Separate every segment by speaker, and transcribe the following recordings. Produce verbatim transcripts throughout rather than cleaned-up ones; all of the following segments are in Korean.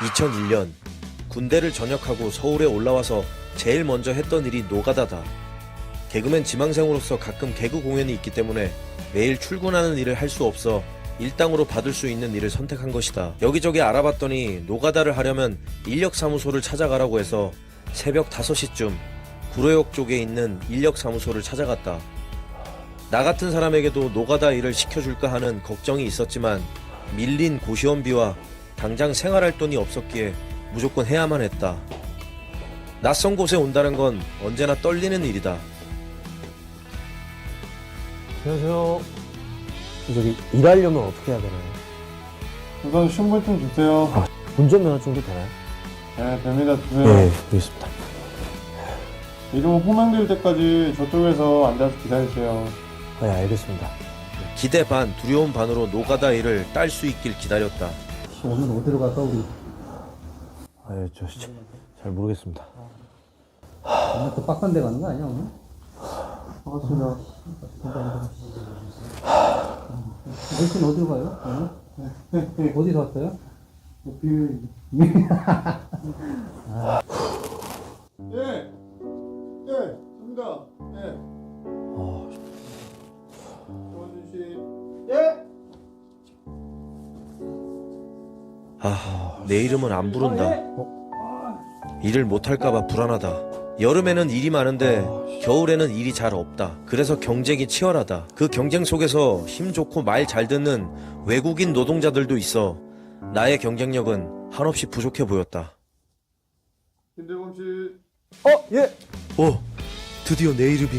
Speaker 1: 이천일 년 군대를 전역하고 서울에 올라와서 제일 먼저 했던 일이 노가다다. 개그맨 지망생으로서 가끔 개그 공연이 있기 때문에 매일 출근하는 일을 할 수 없어 일당으로 받을 수 있는 일을 선택한 것이다. 여기저기 알아봤더니 노가다를 하려면 인력사무소를 찾아가라고 해서 새벽 다섯 시쯤 구로역 쪽에 있는 인력사무소를 찾아갔다. 나 같은 사람에게도 노가다 일을 시켜줄까 하는 걱정이 있었지만 밀린 고시원비와 당장 생활할 돈이 없었기에 무조건 해야만 했다. 낯선 곳에 온다는 건 언제나 떨리는 일이다.
Speaker 2: 안녕하세요. 저기 일하려면 어떻게 해야 되나요?
Speaker 3: 우선 신분증 주세요.
Speaker 2: 아, 운전면허증도 되나요?
Speaker 3: 네, 됩니다. 주세요.
Speaker 2: 네, 알겠습니다.
Speaker 3: 이름 호명될 때까지 저쪽에서 앉아서 기다리세요.
Speaker 2: 네, 알겠습니다.
Speaker 1: 기대 반 두려움 반으로 노가다 일을 딸 수 있길 기다렸다.
Speaker 4: 오늘 어디로 갈까 우리?
Speaker 2: 아, 저 잘 모르겠습니다.
Speaker 4: 오늘 그 빡간 데 가는 거 아니야 오늘?
Speaker 3: 반갑습니다.
Speaker 4: 당신 어디로 가요? 오늘? 어디서 왔어요?
Speaker 3: 비밀. 예, 예, 됩니다. 예.
Speaker 2: 아,
Speaker 3: 조원준 씨. 예.
Speaker 1: 아, 내 이름은 안 부른다. 일을 못할까봐 불안하다. 여름에는 일이 많은데 겨울에는 일이 잘 없다. 그래서 경쟁이 치열하다. 그 경쟁 속에서 힘 좋고 말 잘 듣는 외국인 노동자들도 있어 나의 경쟁력은 한없이 부족해 보였다.
Speaker 3: 김대범 씨.
Speaker 2: 어, 예,
Speaker 1: 오, 드디어 내 이름이.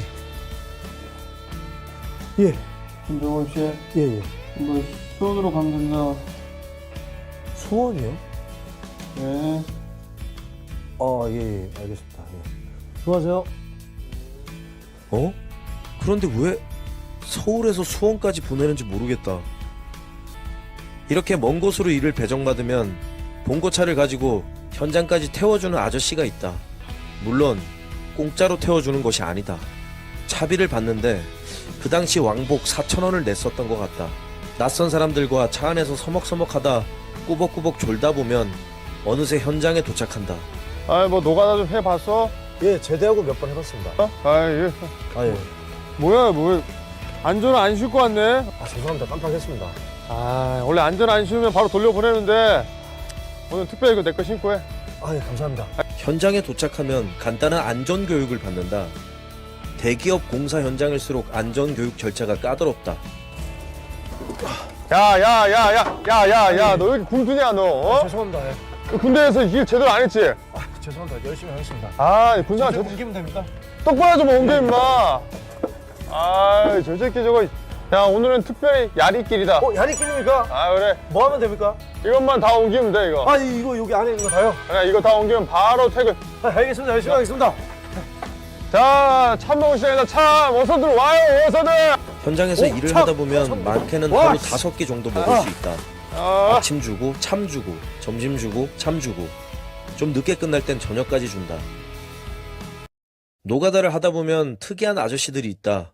Speaker 2: 예,
Speaker 3: 김대범 씨.
Speaker 2: 예, 예.
Speaker 3: 이거 수원으로 가면 된다.
Speaker 2: 수원이요?
Speaker 3: 네.
Speaker 2: 아, 예, 예, 알겠습니다. 예. 수고하세요.
Speaker 1: 어? 그런데 왜 서울에서 수원까지 보내는지 모르겠다. 이렇게 먼 곳으로 일을 배정받으면 봉고차를 가지고 현장까지 태워주는 아저씨가 있다. 물론 공짜로 태워주는 것이 아니다. 차비를 받는데 그 당시 왕복 사천 원을 냈었던 것 같다. 낯선 사람들과 차 안에서 서먹서먹하다 꾸벅꾸벅 졸다 보면 어느새 현장에 도착한다.
Speaker 3: 아, 뭐 노가다 좀 해봤어?
Speaker 2: 예, 제대하고 몇 번 해봤습니다.
Speaker 3: 어? 아, 예.
Speaker 2: 아, 예.
Speaker 3: 뭐야, 뭐 안전 안 싣고 왔네.
Speaker 2: 아, 죄송합니다. 깜빡했습니다.
Speaker 3: 아, 원래 안전 안 씌우면 바로 돌려보내는데 오늘 특별히 이거 내 거 신고 해.
Speaker 2: 아, 예, 감사합니다.
Speaker 1: 현장에 도착하면 간단한 안전교육을 받는다. 대기업 공사 현장일수록 안전교육 절차가 까다롭다.
Speaker 3: 야, 야, 야, 야, 야, 야, 야, 너 왜 이렇게 굶주냐, 너? 어?
Speaker 2: 죄송합니다. 예.
Speaker 3: 그 군대에서 일 제대로 안 했지?
Speaker 2: 아, 죄송합니다. 열심히 하겠습니다.
Speaker 3: 아, 군생활
Speaker 2: 저
Speaker 3: 제대로
Speaker 2: 옮기면 됩니까?
Speaker 3: 똑바로 좀 옮겨, 임마. 아, 저 새끼 저거. 야, 오늘은 특별히 야리끼리다.
Speaker 2: 어, 야리끼입니까?
Speaker 3: 아, 그래.
Speaker 2: 뭐 하면 됩니까?
Speaker 3: 이것만 다 옮기면 돼, 이거.
Speaker 2: 아, 이거 여기 안에 있는 거 다요?
Speaker 3: 그래, 이거 다 옮기면 바로 퇴근.
Speaker 2: 아, 알겠습니다. 열심히 하겠습니다.
Speaker 3: 자, 참 먹을 시간이다, 참. 어서들 와요, 어서들.
Speaker 1: 현장에서
Speaker 2: 오,
Speaker 1: 일을
Speaker 2: 참,
Speaker 1: 하다 보면
Speaker 2: 참.
Speaker 1: 많게는
Speaker 2: 와,
Speaker 1: 하루
Speaker 2: 씨.
Speaker 1: 다섯 끼 정도 먹을
Speaker 2: 아.
Speaker 1: 수 있다.
Speaker 3: 아,
Speaker 1: 아침 주고 참 주고 점심 주고 참 주고 좀 늦게 끝날 땐 저녁까지 준다. 노가다를 하다 보면 특이한 아저씨들이 있다.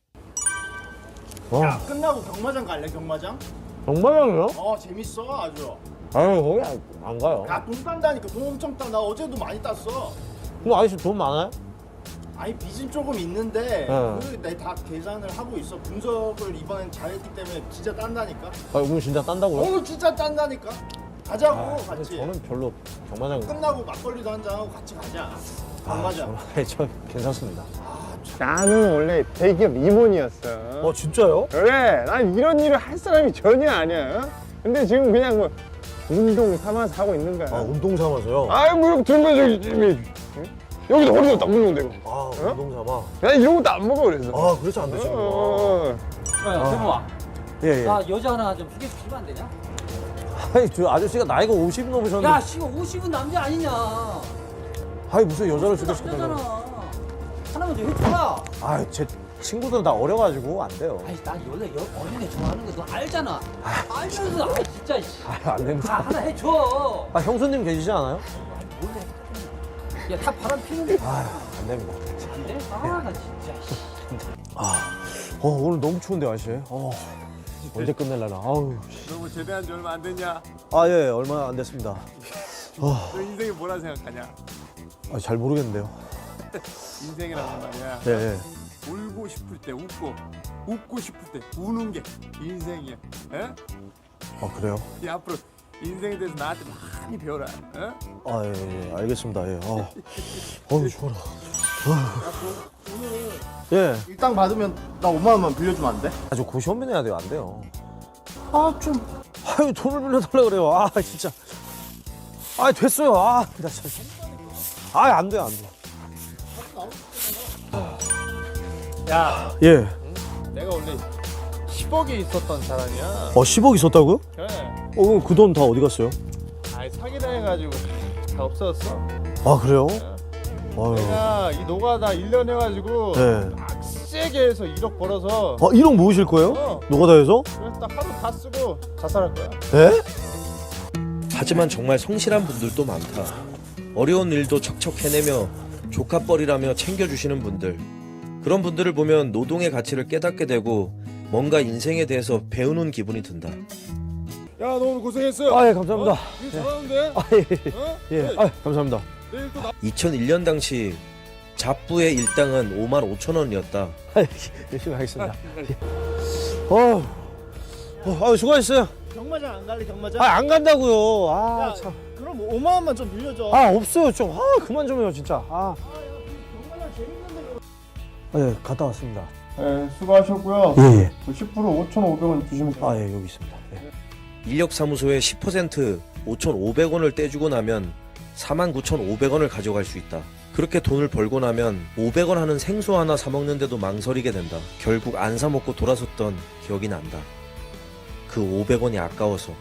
Speaker 2: 와,
Speaker 5: 야, 끝나고 경마장 갈래, 경마장?
Speaker 2: 정말요?
Speaker 5: 어, 재밌어, 아주.
Speaker 2: 아유, 거기 안, 안 가요.
Speaker 5: 야, 돈 딴다니까, 돈 엄청 따. 나 어제도 많이 땄어.
Speaker 2: 그럼 아저씨 돈 많아요?
Speaker 5: 아니, 빚은 조금 있는데,
Speaker 2: 어.
Speaker 5: 내다 계산을 하고 있어. 분석을 이번엔 잘했기 때문에 진짜 딴다니까.
Speaker 2: 아, 오늘 진짜 딴다고요?
Speaker 5: 어, 진짜 딴다니까. 가자고,
Speaker 2: 아, 근데
Speaker 5: 같이.
Speaker 2: 저는 별로 경마장.
Speaker 5: 끝나고 막걸리도 한잔하고 같이 가자.
Speaker 2: 아,
Speaker 5: 경마장.
Speaker 2: 저는, 저 괜찮습니다.
Speaker 3: 나는 원래 대기업 임원이었어.
Speaker 2: 어, 진짜요?
Speaker 3: 그래, 난 이런 일을 할 사람이 전혀 아니야. 근데 지금 그냥 뭐 운동 삼아서 하고 있는 거야.
Speaker 2: 아, 운동 삼아서요?
Speaker 3: 아이, 뭐 이렇게 들면 저기 응? 여기도 허리도 딱 물는데 이거.
Speaker 2: 아, 운동 삼아.
Speaker 3: 난 이런 것도 안 먹어 그래서.
Speaker 2: 아, 그렇지 안 되시구나.
Speaker 3: 어.
Speaker 6: 야, 대범아.
Speaker 2: 예, 예.
Speaker 6: 나 여자 하나 좀 소개시키면 안 되냐?
Speaker 2: 아니, 저 아저씨가 나이가 오십 넘으셨는데.
Speaker 6: 야, 씨가 오십은 남자 아니냐?
Speaker 2: 아니, 무슨 여자를
Speaker 6: 남자잖아.
Speaker 2: 소개시켜달라고.
Speaker 6: 하나만 좀 해줘라.
Speaker 2: 아, 제 친구들은 다 어려가지고 안 돼요.
Speaker 6: 아니, 난 원래 여, 어린애 좋아하는 거 너 알잖아. 알면서, 아, 진짜. 씨.
Speaker 2: 아, 안
Speaker 6: 아,
Speaker 2: 됩니다.
Speaker 6: 하나 해줘.
Speaker 2: 아, 형수님 계시지 않아요?
Speaker 6: 몰래. 야, 다 바람 피는데.
Speaker 2: 아, 안 됩니다.
Speaker 6: 안 돼? 아, 나 진짜. 씨.
Speaker 2: 어, 오늘 너무 추운데, 아저씨. 어, 언제 끝낼라나. 아우.
Speaker 3: 너 뭐 제대한 지 얼마 안 됐냐?
Speaker 2: 아, 예, 얼마 안 됐습니다. 어.
Speaker 3: 너 인생이 뭐라 생각하냐?
Speaker 2: 아, 잘 모르겠는데요.
Speaker 3: 인생이라는 말이야.
Speaker 2: 네, 네.
Speaker 3: 울고 싶을 때 웃고, 웃고 싶을 때 우는 게 인생이야. 에?
Speaker 2: 아, 그래요?
Speaker 3: 이 앞으로 인생에 대해서 나한테 많이 배워라. 에?
Speaker 2: 아, 예, 예, 알겠습니다. 예. 아, 어우, 좋아라. 예.
Speaker 5: 일당 받으면 나 오만 원만 빌려주면 안 돼?
Speaker 2: 아, 저 고시원비 내야 돼요. 안 돼요. 아, 좀. 아유, 돈을 빌려달라 그래요. 아, 진짜. 아, 됐어요. 아, 나 참. 아, 안 돼요, 안 돼.
Speaker 3: 야,
Speaker 2: 예.
Speaker 3: 내가 원래 십억이 있었던 사람이야.
Speaker 2: 어, 십억 있었다고요?
Speaker 3: 그래.
Speaker 2: 어, 그럼 그 돈 다 어디 갔어요?
Speaker 3: 아이 사기당해가지고 다 없어졌어.
Speaker 2: 아, 그래요? 아유.
Speaker 3: 내가 이 노가다 일 년 해가지고
Speaker 2: 네.
Speaker 3: 빡세게 해서 일억 벌어서
Speaker 2: 아, 일억 모으실 거예요?
Speaker 3: 어.
Speaker 2: 노가다에서?
Speaker 3: 그래서 딱 하루 다 쓰고 자살할 거야.
Speaker 2: 예?
Speaker 1: 하지만 정말 성실한 분들도 많다. 어려운 일도 척척 해내며 조카뻘이라며 챙겨주시는 분들. 그런 분들을 보면 노동의 가치를 깨닫게 되고 뭔가 인생에 대해서 배우는 기분이 든다.
Speaker 3: 야, 너 오늘 고생했어.
Speaker 2: 아, 예, 감사합니다.
Speaker 3: 일 잘하는데?
Speaker 2: 아, 예.
Speaker 3: 어?
Speaker 2: 예. 아, 감사합니다.
Speaker 3: 내일 또 나.
Speaker 1: 이천일 년 당시 잡부의 일당은 오만 오천 원이었다.
Speaker 2: 아, 열심히 하겠습니다. 어, 어, 아, 수고하셨어요.
Speaker 5: 경마장 안 갈래 경마장?
Speaker 2: 아, 안 간다고요. 아,
Speaker 5: 야,
Speaker 2: 참.
Speaker 5: 그럼 오만 원만 좀 빌려줘.
Speaker 2: 아, 없어요. 좀. 아, 그만 좀 해요, 진짜. 아.
Speaker 5: 경마장 재밌는데.
Speaker 2: 아, 예, 갔다 왔습니다.
Speaker 3: 네, 수고하셨고요.
Speaker 2: 예, 예.
Speaker 3: 그 십 퍼센트 오천오백 원 주시면 돼요.
Speaker 2: 아, 예, 여기 있습니다. 예.
Speaker 1: 인력사무소에 십 퍼센트 오천오백 원을 떼주고 나면 사만 구천오백 원을 가져갈 수 있다. 그렇게 돈을 벌고 나면 오백 원 하는 생수 하나 사 먹는데도 망설이게 된다. 결국 안 사 먹고 돌아섰던 기억이 난다. 그 오백 원이 아까워서.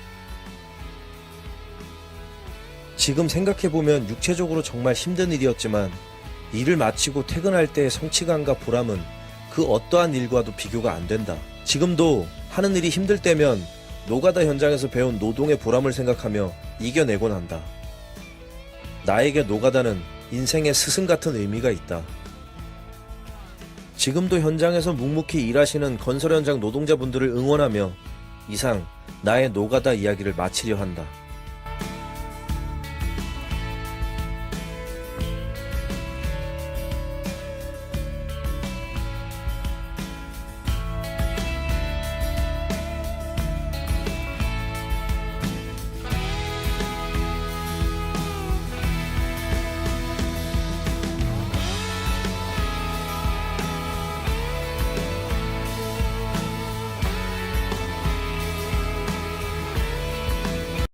Speaker 1: 지금 생각해보면 육체적으로 정말 힘든 일이었지만 일을 마치고 퇴근할 때의 성취감과 보람은 그 어떠한 일과도 비교가 안 된다. 지금도 하는 일이 힘들 때면 노가다 현장에서 배운 노동의 보람을 생각하며 이겨내곤 한다. 나에게 노가다는 인생의 스승 같은 의미가 있다. 지금도 현장에서 묵묵히 일하시는 건설 현장 노동자분들을 응원하며 이상 나의 노가다 이야기를 마치려 한다.